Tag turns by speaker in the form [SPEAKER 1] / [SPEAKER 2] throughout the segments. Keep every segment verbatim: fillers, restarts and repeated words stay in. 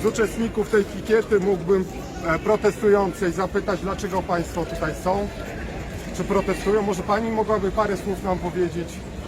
[SPEAKER 1] z uczestników tej pikiety mógłbym e, protestującej zapytać, dlaczego Państwo tutaj są? Czy protestują? Może Pani mogłaby parę słów nam powiedzieć?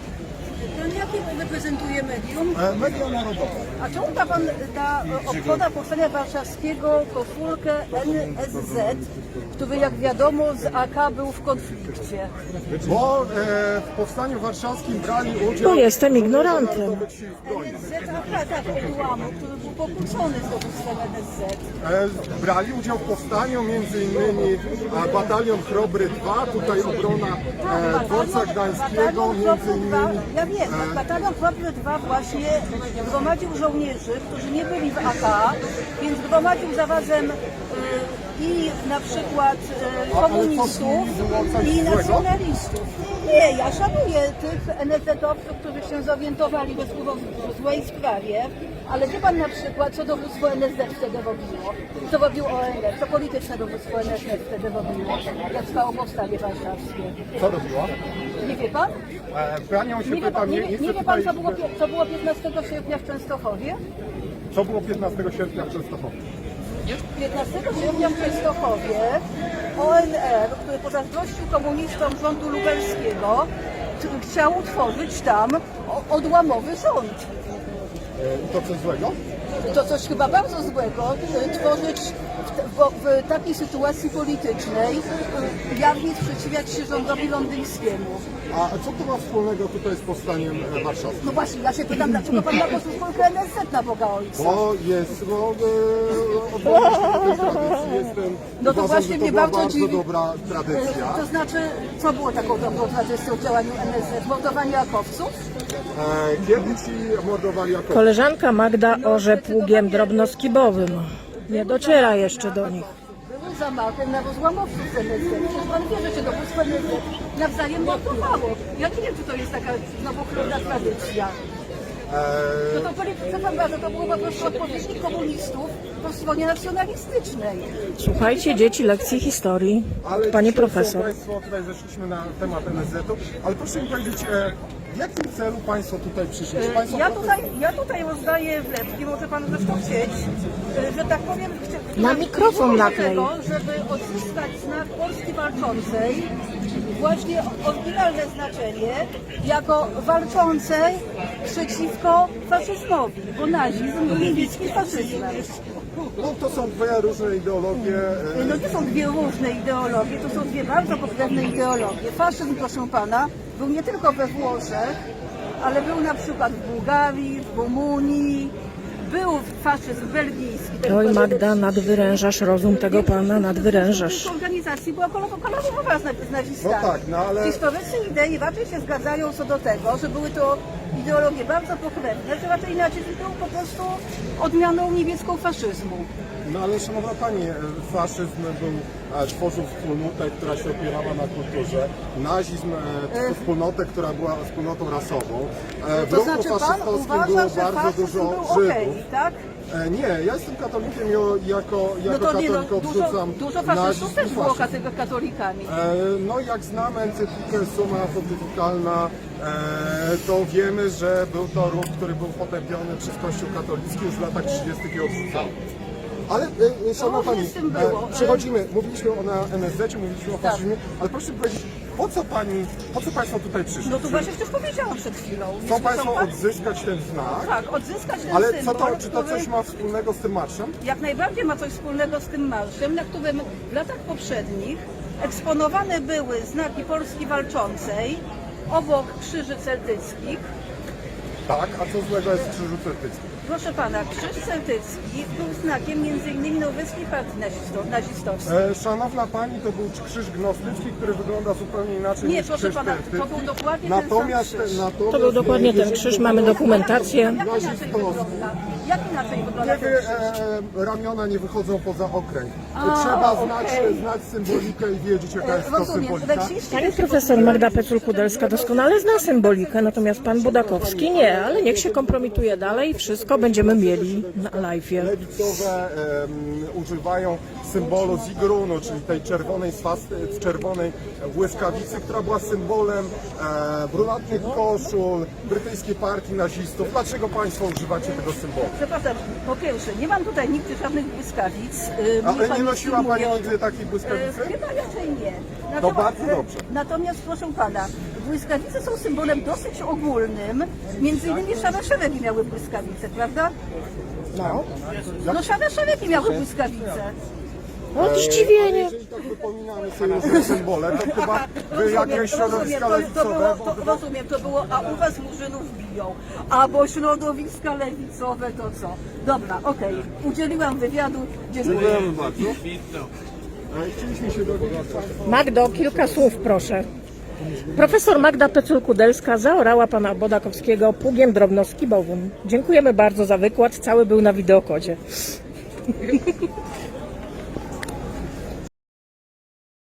[SPEAKER 2] Jakie reprezentuje medium?
[SPEAKER 1] E, Media Narodowe.
[SPEAKER 2] A czemu ta pan ta obchoda powstania warszawskiego koszulkę N S Z, który jak wiadomo z A K był w konflikcie?
[SPEAKER 1] Bo e, w Powstaniu Warszawskim brali udział...
[SPEAKER 3] Bo jestem ignorantem.
[SPEAKER 2] N S Z A K, tak, odłamu, który był pokłócony z dowództwem N S Z.
[SPEAKER 1] E, brali udział w powstaniu między innymi e, Batalion Chrobry dwa, tutaj obrona e, dworca gdańskiego, między innymi...
[SPEAKER 2] Ja wiem,
[SPEAKER 1] e,
[SPEAKER 2] Batalion Chrobry dwa właśnie gromadził żołnierzy, którzy nie byli w A K, więc gromadził zarazem y, i na przykład y, komunistów i nacjonalistów. Nie, ja szanuję tych N S Z-owców, którzy się zorientowali we w złej sprawie, ale wie pan na przykład, co dowództwo N S Z wtedy robiło, co robił O N R, co polityczne dowództwo N S Z wtedy robiło, jak trwało powstanie warszawskie.
[SPEAKER 1] Co robiła?
[SPEAKER 2] Nie wie pan?
[SPEAKER 1] E, Panią się
[SPEAKER 2] Nie wie
[SPEAKER 1] pytam,
[SPEAKER 2] pan, nie,
[SPEAKER 1] nie, nie
[SPEAKER 2] nie
[SPEAKER 1] chcę
[SPEAKER 2] wie pan co,
[SPEAKER 1] tutaj...
[SPEAKER 2] było, co było piętnastego sierpnia w Częstochowie?
[SPEAKER 1] Co było piętnastego sierpnia w Częstochowie?
[SPEAKER 2] piętnastego sierpnia w Częstochowie O N R, który pozazdrościł komunistom rządu lubelskiego, chciał utworzyć tam odłamowy rząd.
[SPEAKER 1] I to coś złego?
[SPEAKER 2] To coś chyba bardzo złego, tworzyć w, w, w takiej sytuacji politycznej, jawnie sprzeciwiać się rządowi londyńskiemu.
[SPEAKER 1] A co to ma wspólnego tutaj z powstaniem e, warszawskim?
[SPEAKER 2] No właśnie, ja się pytam, dlaczego pan ma koszulkę N S Z na Boga Ojca?
[SPEAKER 1] Bo jest, no, e, odwołuję się do tej tradycji, jestem,
[SPEAKER 2] No to
[SPEAKER 1] uważam,
[SPEAKER 2] właśnie
[SPEAKER 1] że to
[SPEAKER 2] mnie
[SPEAKER 1] była
[SPEAKER 2] bardzo
[SPEAKER 1] bardzo
[SPEAKER 2] dziwi.
[SPEAKER 1] dobra tradycja.
[SPEAKER 2] To znaczy, co było taką dobrą tradycją w działaniu N S Z? Mordowanie akowców?
[SPEAKER 1] E, kiedy ci mordowali jako...
[SPEAKER 3] Koleżanka Magda orze pługiem drobnoskibowym. Nie dociera jeszcze do nich.
[SPEAKER 2] Były zamachy na rozłamowców z N S Z. Przecież pan wie, że się dowództwo N S Z nawzajem mordowało. Ja nie wiem, czy to jest taka znowu chlubna tradycja. No to polityce pan uważa, to było po prostu odpowiednik komunistów po stronie nacjonalistycznej.
[SPEAKER 3] Słuchajcie dzieci lekcji historii.
[SPEAKER 1] Ale
[SPEAKER 3] Pani
[SPEAKER 1] dzisiaj
[SPEAKER 3] profesor.
[SPEAKER 1] są Państwo, tutaj zeszliśmy na temat N S Z-u, ale proszę mi powiedzieć, e, w jakim celu Państwo tutaj przyszli? Czy Państwo
[SPEAKER 2] Ja tutaj, ja tutaj rozdaję wlepki, może pan zresztą chcieć, że tak powiem, chcia-
[SPEAKER 3] Na mikrofon
[SPEAKER 2] do
[SPEAKER 3] naklej.
[SPEAKER 2] tego, żeby odzyskać znak Polski walczącej, właśnie oryginalne znaczenie, jako walczącej przeciwko faszyzmowi, bo nazizm był niemieckim faszyzmem.
[SPEAKER 1] No to są dwie różne ideologie. E,
[SPEAKER 2] No to są dwie różne ideologie, to są dwie bardzo pokrewne ideologie. Faszyzm, proszę pana, był nie tylko we Włoszech, ale był na przykład w Bułgarii, w Rumunii, był faszyzm belgijski. ten
[SPEAKER 3] Oj
[SPEAKER 2] który-
[SPEAKER 3] Magda, nadwyrężasz rozum tego pana, nadwyrężasz.
[SPEAKER 2] W organizacji była kolorowa z z nazistami.
[SPEAKER 1] No tak, no ale-
[SPEAKER 2] Historycy idei raczej się zgadzają co do tego, że były to ideologie bardzo pokrewne, że raczej nazizm był po prostu odmianą niemiecką faszyzmu.
[SPEAKER 1] No ale szanowna Pani, e, faszyzm był, e, tworzył wspólnotę, która się opierała na kulturze. Nazizm e, tworzył wspólnotę, która była wspólnotą rasową. E, w
[SPEAKER 2] To
[SPEAKER 1] ruchu
[SPEAKER 2] znaczy pan
[SPEAKER 1] faszystowskim
[SPEAKER 2] uważa,
[SPEAKER 1] było
[SPEAKER 2] że
[SPEAKER 1] bardzo
[SPEAKER 2] faszyzm
[SPEAKER 1] dużo
[SPEAKER 2] był
[SPEAKER 1] Żydów.
[SPEAKER 2] okej, tak?
[SPEAKER 1] E, nie, ja jestem katolikiem i o- jako,
[SPEAKER 2] No
[SPEAKER 1] jako
[SPEAKER 2] to nie, no,
[SPEAKER 1] katolik
[SPEAKER 2] dużo,
[SPEAKER 1] odrzucam
[SPEAKER 2] dużo
[SPEAKER 1] nazizm
[SPEAKER 2] faszystów
[SPEAKER 1] i
[SPEAKER 2] też było
[SPEAKER 1] faszyzm.
[SPEAKER 2] kate- katolikami.
[SPEAKER 1] E, No jak znamy encyklikę Summa Pontyficalna, e, to wiemy, że był to ruch, który był potępiony przez Kościół katolicki już w latach trzydziestych i odrzucany. Ale, e, szanowna
[SPEAKER 2] różnie
[SPEAKER 1] Pani,
[SPEAKER 2] z tym było.
[SPEAKER 1] e, przechodzimy, mówiliśmy o na N S Z-cie, mówiliśmy o
[SPEAKER 2] Tak.
[SPEAKER 1] faszyzmie, ale proszę mi powiedzieć, po co Pani, po co Państwo tutaj przyszli?
[SPEAKER 2] No to właśnie już powiedziałam przed chwilą.
[SPEAKER 1] Chcą Państwo
[SPEAKER 2] tak?
[SPEAKER 1] odzyskać ten znak,
[SPEAKER 2] Tak, odzyskać ten
[SPEAKER 1] ale co
[SPEAKER 2] symbol,
[SPEAKER 1] to, czy to
[SPEAKER 2] który
[SPEAKER 1] coś ma wspólnego z tym marszem?
[SPEAKER 2] jak najbardziej ma coś wspólnego z tym marszem, na którym w latach poprzednich eksponowane były znaki Polski walczącej obok krzyży celtyckich.
[SPEAKER 1] Tak, a co złego jest w krzyżu celtyckim?
[SPEAKER 2] Proszę pana, krzyż celtycki był znakiem między innymi norweskiej partii nazisto- nazistowskiej.
[SPEAKER 1] E, szanowna Pani, to był krzyż gnostycki, który wygląda zupełnie inaczej
[SPEAKER 2] Nie,
[SPEAKER 1] niż
[SPEAKER 2] proszę
[SPEAKER 1] krzyż
[SPEAKER 2] pana,
[SPEAKER 1] celtycki.
[SPEAKER 2] to był dokładnie
[SPEAKER 1] Natomiast,
[SPEAKER 2] ten sam krzyż.
[SPEAKER 1] natomiast
[SPEAKER 3] To był dokładnie ten krzyż, mamy dokumentację.
[SPEAKER 2] Jak inaczej
[SPEAKER 1] nazistowski.
[SPEAKER 2] wygląda? Jak inaczej wygląda ten
[SPEAKER 1] Kiedy
[SPEAKER 2] krzyż?
[SPEAKER 1] e, ramiona nie wychodzą poza okręg.
[SPEAKER 2] A,
[SPEAKER 1] Trzeba
[SPEAKER 2] okej.
[SPEAKER 1] znać, znać symbolikę i wiedzieć, jaka jest to
[SPEAKER 2] Rozumiem,
[SPEAKER 1] symbolika.
[SPEAKER 2] reksiści
[SPEAKER 3] Pani profesor Magda Pecul-Kudelska doskonale zna symbolikę, natomiast pan Budakowski nie, ale niech się kompromituje dalej, wszystko będziemy mieli na live'ie.
[SPEAKER 1] Lewicowe em, używają symbolu Zigrunu, czyli tej czerwonej swasty, czerwonej błyskawicy, która była symbolem e, brunatnych koszul brytyjskiej partii nazistów. Dlaczego Państwo używacie tego symbolu?
[SPEAKER 2] Przepraszam, po pierwsze, nie mam tutaj nigdy żadnych błyskawic. y, mnie
[SPEAKER 1] Ale
[SPEAKER 2] pan
[SPEAKER 1] nie nosiła Pani
[SPEAKER 2] filmuje.
[SPEAKER 1] nigdy takiej
[SPEAKER 2] E,
[SPEAKER 1] błyskawicy?
[SPEAKER 2] Chyba raczej nie.
[SPEAKER 1] To bardzo dobrze.
[SPEAKER 2] Natomiast proszę pana, błyskawice są symbolem dosyć ogólnym. Między innymi szare szeregi miały błyskawice, prawda?
[SPEAKER 1] No.
[SPEAKER 2] No szare szeregi miały błyskawice.
[SPEAKER 3] O, zdziwienie.
[SPEAKER 1] Jeżeli tak wypominamy sobie różne symbole, to chyba wy jakieś środowiska
[SPEAKER 2] to, to
[SPEAKER 1] lewicowe,
[SPEAKER 2] było, to, rozumiem, to było, a u was murzynów biją, a bo środowiska lewicowe to co? Dobra, okej, udzieliłam wywiadu, dziękuję.
[SPEAKER 1] dziękujemy bardzo. Ale chcieliśmy się dowiedzieć Państwa.
[SPEAKER 3] Magdo, kilka słów proszę. Profesor Magda Pecul-Kudelska zaorała pana Bodakowskiego pługiem drobnoskibowym. Dziękujemy bardzo za wykład, cały był na wideokodzie.